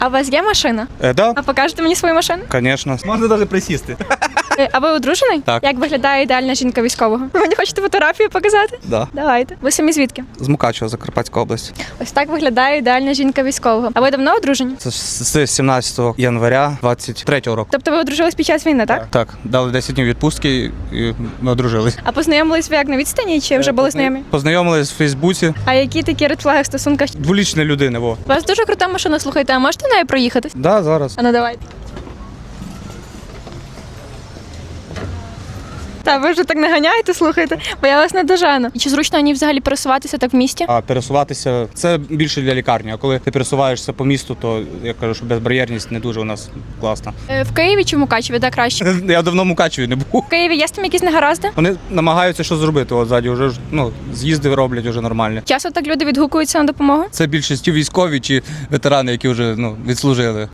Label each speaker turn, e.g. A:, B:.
A: А у вас є машина?
B: Да,
A: А покажете мені свою машину?
B: звісно. Можна навіть присісти.
A: А ви одружений?
B: Так.
A: Як виглядає ідеальна жінка військового? Ви мені хочете фотографію показати?
B: Да.
A: Давайте. Ви самі звідки?
B: З Мукачева, Закарпатська область.
A: Ось так виглядає ідеальна жінка військового. А ви давно одружені?
B: Це з 17 января 23-го року.
A: Тобто ви одружились під час війни, так?
B: Так, дали 10 днів відпустки і ми одружились.
A: А познайомились ви як на відстані чи вже були знайомі?
B: Познайомились в Фейсбуці.
A: А які такі редфлаги в стосунках?
B: Дволічна людина, во.
A: У вас дуже крута машина, слухайте, а можете нею проїхатись?
B: Да, зараз.
A: А ну давайте. Та ви вже так не ганяєте, слухайте, бо я вас не дожену. І чи зручно мені взагалі пересуватися так в місті?
B: А пересуватися це більше для лікарні. А коли ти пересуваєшся по місту, то я кажу, що безбар'єрність не дуже у нас класна.
A: В Києві чи в Мукачеві, де краще?
B: Я давно в Мукачеві не був.
A: В Києві є з тим якісь негаразди?
B: Вони намагаються щось зробити. От ззаді вже з'їзди роблять вже нормально.
A: Часто так люди відгукуються на допомогу?
B: Це більшість військові чи ветерани, які вже відслужили.